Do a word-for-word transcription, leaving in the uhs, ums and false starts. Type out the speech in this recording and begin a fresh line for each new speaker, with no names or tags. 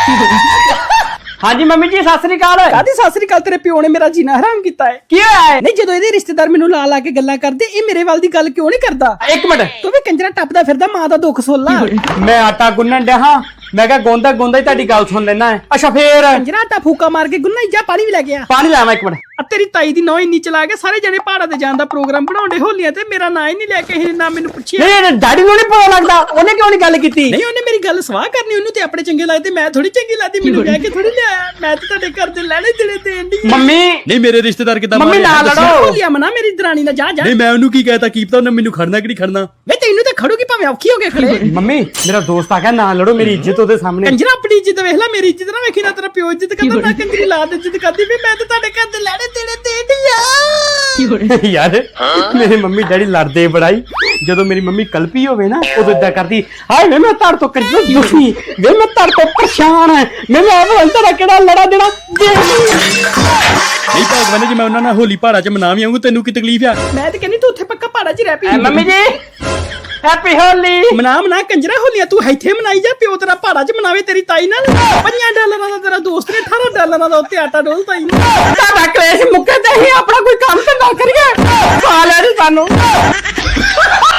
हाँ जी मम्मी जी सत श्री अकाल।
ਕਾਦੀ ਸਤਿ ਸ੍ਰੀ ਅਕਾਲ। ਤੇਰੇ ਪਿਓ ਨੇ ਮੇਰਾ ਜੀਣਾ ਹਰਾਮ ਕੀਤਾ ਹੈ।
की होया है?
ਨਹੀਂ ਜਦੋਂ ਇਹਦੇ ਰਿਸ਼ਤੇਦਾਰ ਮੈਨੂੰ ਲਾ ਲਾ ਕੇ ਗੱਲਾਂ ਕਰਦੇ, ਇਹ ਮੇਰੇ ਵੱਲ ਦੀ ਗੱਲ ਕਿਉਂ ਨਹੀਂ ਕਰਦਾ?
एक मिनट
ਤੂੰ ਵੀ ਕੰਜਰਾ ਟੱਪਦਾ ਫਿਰਦਾ, ਮਾਂ ਦਾ ਦੁੱਖ ਸੁਣ ਲਾ।
मैं आटा गुन्नन डया हाँ मैं क्या गोंदा गोंदा ही ताड़ी गल सुन लेना है। अच्छा फिर
ਕੰਜਰਾ ਆਟਾ फूका मार के गुन्ना जा पानी भी ਲੈ ਗਿਆ।
पानी लावा एक मिनट।
ਆ ਤੇਰੀ ਤਾਈ ਦੀ ਨੌ ਇੰਨੀ ਚਲਾ ਕੇ ਸਾਰੇ ਜਣੇ ਪਹਾੜਾਂ ਤੇ ਜਾਣ ਦਾ ਪ੍ਰੋਗਰਾਮ ਬਣਾਉਂਦੇ ਹੋਲੀਆਂ ਤੇ ਮੇਰਾ ਨਾਂ ਹੀ ਨਹੀਂ ਲੈ ਕੇ ਇਹ ਨਾ ਮੈਨੂੰ ਪੁੱਛਿਆ।
नहीं नहीं डैडी ਨੂੰ नहीं पता लगता ਉਹਨੇ ਕਿਉਂ ਨਹੀਂ ਗੱਲ ਕੀਤੀ?
ਨਹੀਂ ਉਹਨੇ ਮੇਰੀ ਗੱਲ ਸਵਾਹ ਕਰਨੀ, ਉਹਨੂੰ ਤੇ ਆਪਣੇ ਚੰਗੇ ਲੱਗਦੇ, ਮੈਂ ਥੋੜੀ ਚੰਗੀ ਲੱਗਦੀ, ਮੈਨੂੰ ਕਹਿ ਕੇ ਥੋੜੀ ਲਿਆਇਆ। ਮੈਂ ਤੇ ਤੁਹਾਡੇ ਘਰ ਦੇ ਲੈਣੇ ਦੇਣੇ ਦੇਣ ਦੀ।
ਮੰਮੀ
ਨਹੀਂ ਮੇਰੇ ਰਿਸ਼ਤੇਦਾਰ ਕਿਦਾਂ
ਮੰਮੀ ਨਾ ਲੜੋ।
ਹੋਲੀਆਂ ਮਨਾ ਮੇਰੀ ਦਰਾਣੀ ਨਾਲ ਜਾ ਜਾ।
ਨਹੀਂ ਮੈਂ ਉਹਨੂੰ ਕੀ ਕਹਿਤਾ, ਕੀ ਪਤਾ ਉਹਨੇ ਮੈਨੂੰ ਖੜਨਾ ਕਿ ਨਹੀਂ ਖੜਨਾ।
ਵੇ ਤੈਨੂੰ ਤੇ ਖੜੂਗੀ ਭਾਵੇਂ ਔਖੀ ਹੋ ਕੇ ਖੜੇ।
ਮੰਮੀ ਮੇਰਾ ਦੋਸਤ ਆ ਗਿਆ ਨਾ ਲੜੋ, ਮੇਰੀ ਇੱਜ਼ਤ ਉਹਦੇ ਸਾਹਮਣੇ।
ਕੰਜਰਾ ਆਪਣੀ ਇੱਜ਼ਤ ਵੇਖ ਲੈ, ਮੇਰੀ ਇੱਜ਼ਤ ਨਾ ਵੇਖੀ। ਨਾ ਤੇਰਾ ਪਿਓ ਇੱਜ਼ਤ ਕਰਦਾ, ਨਾ ਕੰਜਰੀ ਲਾਦ ਇੱਜ਼ਤ ਕਰਦੀ ਵੀ। ਮੈਂ ਤੇ ਤੁਹਾਡੇ ਘਰ ਦੇ ਲੈਣੇ ਦੇਣੇ ਦੇਣ ਦੀ ਆ।
ਯਾਰ ਮੇਰੇ ਮੰਮੀ ਡੈਡੀ ਲੜਦੇ ਬੜਾਈ। ਜਦੋਂ ਮੇਰੀ ਮੰਮੀ ਕਲਪੀ ਹੋਵੇ ਨਾ ਉਦੋਂ ਇਦਾਂ ਕਰਦੀ, ਹਾਏ ਵੇ ਮੈਂ ਤੜ ਤੋਂ ਕੰਜਰ ਦੁਖੀ ਵੇ, ਮੈਂ ਤੜ ਤੋਂ ਪਰੇਸ਼ਾਨ ਹੈ, ਮੈਨੂੰ ਆਪ ਤੇਰਾ ਕਿਹੜਾ ਲੜਾ ਦੇਣਾ।
ਨਹੀਂ ਭਗਵਾਨ ਜੀ ਮੈਂ ਉਹਨਾਂ ਨਾਲ ਹੋਲੀ ਪਹਾੜਾ 'ਚ ਮਨਾ ਵੀ ਆਉਂਗਾ, ਤੈਨੂੰ ਕੀ ਤਕਲੀਫ ਆ?
ਮੈਂ ਤੇ ਕਹਿੰਦੀ ਤੂੰ ਉੱਥੇ ਪੱਕਾ ਪਹਾੜਾਂ 'ਚ ਰਹਿ ਪਈ।
ਮੰਮੀ ਜੀ ਹੈਪੀ ਹੋਲੀ।
ਮਨਾ ਮਨਾ ਕੰਜਰਾ ਹੋਲੀਆਂ ਤੂੰ ਇੱਥੇ ਮਨਾਈ ਜਾ, ਪਿਓ ਤੇਰਾ ਪਹਾੜਾਂ 'ਚ ਮਨਾਵੇ ਤੇਰੀ ਤਾਈ ਨਾਲ। ਪੰਜਾਂ ਡਾਲਰਾਂ ਦਾ ਤੇਰਾ ਦੋਸਤ ਨੇ ਅਠਾਰਾਂ ਡਾਲਰਾਂ ਦਾ ਉੱਤੇ ਆਟਾ ਡੋਲ ਤਾਈ ਨੇ।
ਸਾਡਾ ਕਲੇਸ਼ ਮੁੱਕੇ ਤੇ ਹੀ ਆਪਣਾ ਕੋਈ ਕੰਮ ਤੇ ਨਾ ਕਰੀਏ। ਖਾ ਲੈਣੀ ਸਾਨੂੰ।